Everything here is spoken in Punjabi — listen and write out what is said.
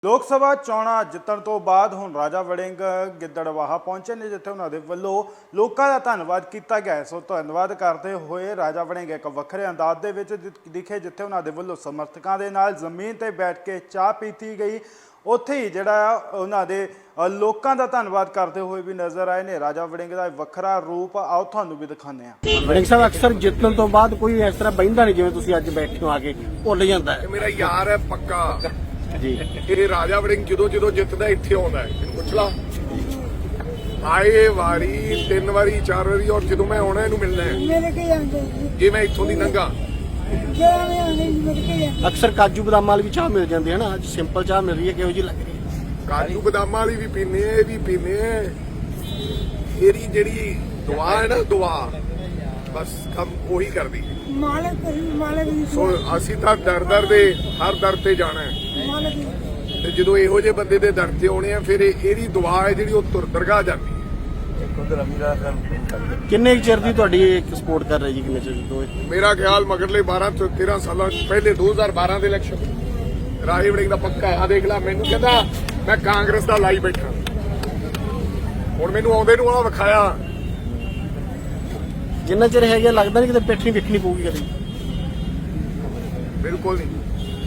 ਲੋਕ ਸਭਾ ਚੋਣਾਂ ਜਿੱਤਣ ਤੋਂ ਬਾਅਦ ਹੁਣ ਰਾਜਾ ਵੜਿੰਗ ਗਿੱਦੜਬਾਹਾ ਪਹੁੰਚੇ ਨੇ, ਜਿੱਥੇ ਉਹਨਾਂ ਦੇ ਵੱਲੋਂ ਲੋਕਾਂ ਦਾ ਧੰਨਵਾਦ ਕੀਤਾ ਗਿਆ। ਸੋ ਧੰਨਵਾਦ ਕਰਦੇ ਹੋਏ ਰਾਜਾ ਵੜਿੰਗ ਇੱਕ ਵੱਖਰੇ ਅੰਦਾਜ਼ ਦੇ ਵਿੱਚ ਦਿਖੇ, ਜਿੱਥੇ ਉਹਨਾਂ ਦੇ ਵੱਲੋਂ ਸਮਰਥਕਾਂ ਦੇ ਨਾਲ ਜ਼ਮੀਨ ਤੇ ਬੈਠ ਕੇ ਚਾਹ ਪੀਤੀ ਗਈ। ਉੱਥੇ ਹੀ ਜਿਹੜਾ ਉਹਨਾਂ ਦੇ ਲੋਕਾਂ ਦਾ ਧੰਨਵਾਦ ਕਰਦੇ ਹੋਏ ਵੀ ਨਜ਼ਰ ਆਏ ਨੇ। ਰਾਜਾ ਵੜਿੰਗ ਦਾ ਵੱਖਰਾ ਰੂਪ ਆਓ ਤੁਹਾਨੂੰ ਵੀ ਦਿਖਾਉਂਦੇ ਹਾਂ। ਵੜਿੰਗ ਸਾਹਿਬ ਅਕਸਰ ਜਿੱਤਣ ਤੋਂ ਬਾਅਦ ਕੋਈ ਇਸ ਤਰ੍ਹਾਂ ਬਹਿੰਦਾ ਨਹੀਂ, ਜਿਵੇਂ ਤੁਸੀਂ ਅੱਜ ਬੈਠੇ ਹੋ ਆ ਕੇ ਭੁੱਲ ਜਾਂਦਾ ਹੈ। ਮੇਰਾ ਯਾਰ ਹੈ ਪੱਕਾ ਜੀ। ਇਹ ਰਾਜਾ ਵੜਿੰਗ ਜਦੋਂ ਜਿੱਤਦਾ ਇੱਥੇ ਆਉਂਦਾ ਹੈ, ਇਹਨੂੰ ਪੁੱਛ ਲਾ। ਆਏ ਵਾਰੀ 3 ਵਾਰੀ 4 ਵਾਰੀ, ਔਰ ਜਦੋਂ ਮੈਂ ਆਉਣਾ ਇਹਨੂੰ ਮਿਲਣਾ ਹੈ। ਮੇਰੇ ਕੇ ਜਾਂਦੇ ਜੇ ਮੈਂ ਇੱਥੋਂ ਦੀ ਲੰਘਾ ਜਿਹੜਾ ਮੈਂ ਆਉਂਦੇ ਮੇਰੇ ਕੇ ਜਾਂਦੇ। ਅਕਸਰ ਕਾਜੂ ਬਦਾਮਾਂ ਵਾਲੀ ਵੀ ਚਾਹ ਮਿਲ ਜਾਂਦੀ ਹੈ ਨਾ, ਅੱਜ ਸਿੰਪਲ ਚਾਹ ਮਿਲ ਰਹੀ ਹੈ, ਕਿਹੋ ਜਿਹੀ ਲੱਗ ਰਹੀ ਹੈ? ਕਾਜੂ ਬਦਾਮਾਂ ਵਾਲੀ ਵੀ ਪੀਨੇ ਆ, ਇਹ ਵੀ ਪੀਨੇ ਆ। ਇਹਦੀ ਜਿਹੜੀ ਦੁਆ ਹੈ ਨਾ, ਦੁਆ ਬਸ ਕੰਮ ਉਹੀ ਕਰਦੀ। ਮਾਲਕ ਦੀ ਸੋ ਅਸੀਂ ਤਾਂ ਦਰ ਦੇ ਹਰ ਦਰ ਤੇ ਜਾਣਾ ਹੈ, ਮਾਲਕ ਦੀ ਤੇ ਜਦੋਂ ਇਹੋ ਜਿਹੇ ਬੰਦੇ ਦੇ ਦਰ ਤੇ ਆਉਣੇ ਆ, ਫਿਰ ਇਹਦੀ ਦੁਆ ਹੈ ਜਿਹੜੀ ਉਹ ਦਰਗਾਹ ਜਾਂਦੀ ਹੈ। ਕਿੰਨੇ ਚਿਰ ਦੀ ਤੁਹਾਡੀ ਇੱਕ ਸਪੋਰਟ ਕਰ ਰਹੀ ਜੀ? ਕਿੰਨੇ ਚਿਰ ਤੋਂ? ਮੇਰਾ ਖਿਆਲ ਮਗਰਲੇ 12 ਤੋਂ 13 ਸਾਲਾਂ ਪਹਿਲੇ 2012 ਦੇ ਇਲੈਕਸ਼ਨ ਰਾਜਾ ਵੜਿੰਗ ਦਾ ਪੱਕਾ ਆ। ਦੇਖ ਲੈ, ਮੈਨੂੰ ਕਹਿੰਦਾ ਮੈਂ ਕਾਂਗਰਸ ਦਾ ਲਾਈ ਬੈਠਾ, ਹੁਣ ਮੈਨੂੰ ਆਉਂਦੇ ਨੂੰ ਆ ਵਿਖਾਇਆ। ਜਿੰਨਾ ਚਿਰ ਹੈਗਾ ਲੱਗਦਾ ਨਹੀਂ ਕਿਤੇ ਪਿੱਠ ਨਹੀਂ ਵਿਖਣੀ ਪਊਗੀ ਕਦੇ। ਬਿਲਕੁਲ ਨਹੀਂ।